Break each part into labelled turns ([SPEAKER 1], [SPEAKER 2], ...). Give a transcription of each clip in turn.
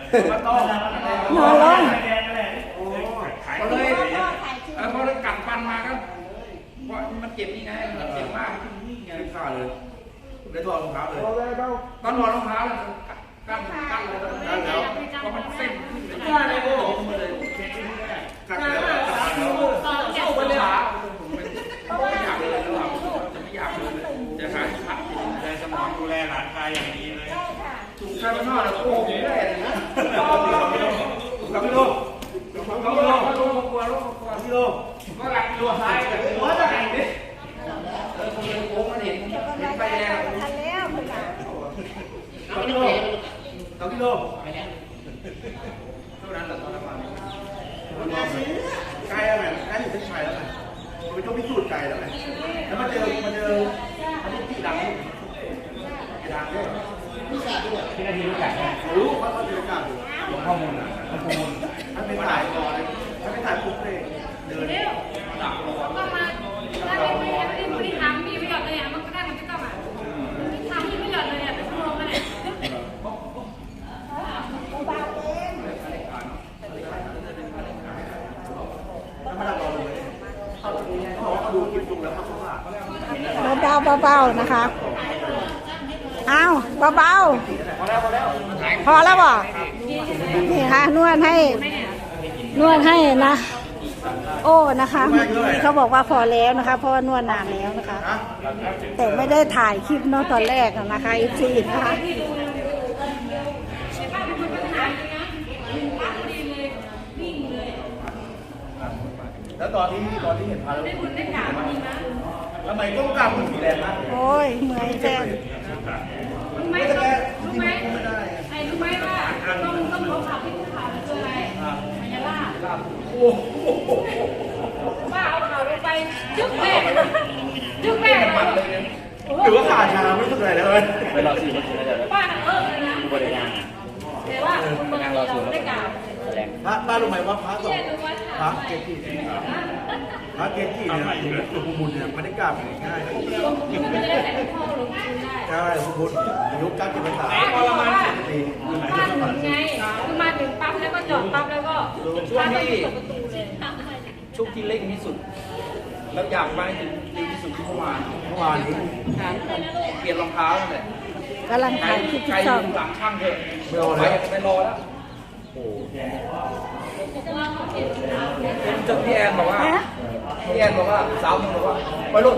[SPEAKER 1] นอนลง
[SPEAKER 2] ก็เลยพอกัดฟันมาก็เพราะมันเจ็บนี่ไงมันเจ็บมากไงขาดเลยได้ถอดรองเท้าเลยตอนถอดรองเท้าเลยกั้นเลยแล้วเพราะมันเส้นขึ้นเลยโอ้โหมันเลยกัดแล้วเข้าไปเลยไม่อยากเลยแล้วจะไม่อยากเลยจะหาพักแต่สมองดูแลหลานชายอย่างดีเลยถูกใครบ้านนอกเลยโอ้โหไม่ได้เลยนะกับพี่โลก็หลักตัวท้ายกับตัวจะแข่งดิผมเลยโค้งมันเห็นไฟแดง
[SPEAKER 1] ทันแล้วคุณหลาน
[SPEAKER 2] 2 กิโลเท่านั้นแหละตอนนั้นมาไกลแล้วไงไกลอยู่เส้นชัยแล้วไงมันเป็นช่วงพิสูจน์ไกลแล้วไงแล้วมาเจอที่ดังด้วยที่นาทีรู้จักรู้เขารู้จักอยู่ข้อมูลนะถ้าไม่ถ่ายก่อนถ้าไม่ถ่ายปุ๊บเลยเดินดักรอ
[SPEAKER 3] ก็มาถ้าไม่ได้ทำมีประโยชน์เลยอ่ะมันก็ได้มันก็ต้องอ่ะทำมีประโยชน์เลยอ่ะเป็นชั่วโมงกันเนี่ย
[SPEAKER 1] เบาๆนะคะเอาเบาๆพอแล้วบ่นี่ค่ะนวดให้นะโอ้นะคะเขาบอกว่าพอแล้วนะคะเพราะว่านวดนานแล้วนะคะ แต่ไม่ได้ถ่ายคลิปเนาะตอนแรกนะคะFCนะคะ
[SPEAKER 2] แล้วตอนที่เห็นพาแล้วทำไมต้องกล้าพูดสีแดงนะ
[SPEAKER 1] โอ้ยเมื่อยแทน
[SPEAKER 3] รู้ไหมไอ้รู้ไหมว่าต้องลบข่าวที่ข่าวมันคืออะไรมายาล่าว่าเอาข่าวลงไปยึกแม่
[SPEAKER 2] หรือว่าขาชาไม่รู้สึกอะไรเลย
[SPEAKER 4] ไปรอสื่อมาถึงแล้วเดี๋ยว
[SPEAKER 3] ป้าเลยนะ
[SPEAKER 4] บริการ
[SPEAKER 3] แต่ว่าคนเราได้กล่าว
[SPEAKER 2] ป้ารู้ไหมว่าพระสองพระเกจิเนี่ยหลวงปู่บุญเนี่ยมันได้กราบง่าย
[SPEAKER 3] มันจะได้แต่พ่อหลวงปู่ได้
[SPEAKER 2] ใช่หลวงปู่บุญอายุ90 พรรษา
[SPEAKER 3] ประมาณ10 ปีบ้านถึงไงคือมาถึงปั๊บแล้วก็จอดปั๊บแล้วก็ช่วงที่
[SPEAKER 4] ช่วงที่เร่งที่สุดแล้วอยากไปถึงดีที่สุดที่เมื่อวาน
[SPEAKER 2] นี้
[SPEAKER 4] เปลี่ยนรองเท้าเลย
[SPEAKER 1] กำลังถ่ายคลิปที่
[SPEAKER 4] ช่องหลังช่างเถอะไม่รอแล้วจนพี่แอนบอกว่าสาวมันบอกว่าไปรถ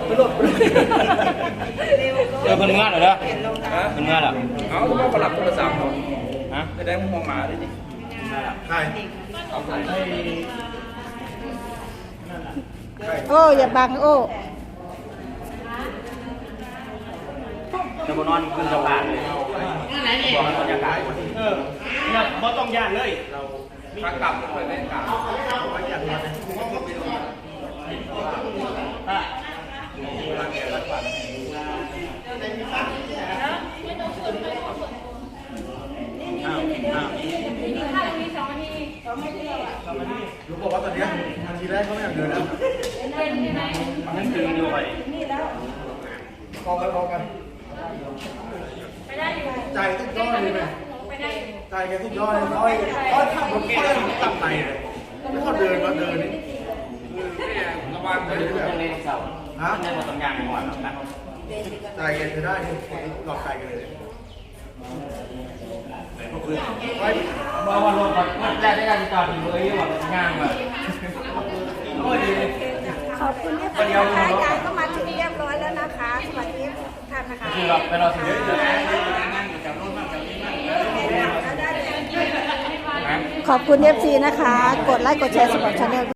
[SPEAKER 4] มันงานเหรอมันงานเหรอเอาต้องประหลับโทรศัพท์ฮะจะได้มองหมาได้ดิ
[SPEAKER 2] ใช่
[SPEAKER 1] โอ้อย่าบังโอ้
[SPEAKER 4] จะมานอนขึ้นสะพานเลยบอกบรรยากาศ
[SPEAKER 2] เนี่ยไม่ต้องย่านเลยเราพักกลับไปเล่นกับรู้บอกว่าตอนนี้นาทีแรกเขาไม่อยากเดินแล้ว
[SPEAKER 4] นั่นคือดูไป
[SPEAKER 2] พอกันใจทุกยอดเลยไหมใจแกทุกยอดเลยเขาขับรถแกตับไหนเลยแล้วเขาเดินมานี่ระวังไปเลย
[SPEAKER 4] ต้องเล่นเสาฮะเนี่ยต้องยางก่อนนะ
[SPEAKER 2] ใจแกจะได้หลอกใจกันเลย
[SPEAKER 4] บอกว่าลงก่อนแรกได้การจอดอยู่เลยแบบง่างแบบโอ้ย
[SPEAKER 1] ขอบคุณที่ติดตามยายก็มาถึงเรียบร้อยแล้วนะคะสวัสดีท่านนะคะ
[SPEAKER 4] คือเราไปรอถึง
[SPEAKER 1] ขอบคุณ FC นะคะกดไลค์กดแชร์สำหรับช่อง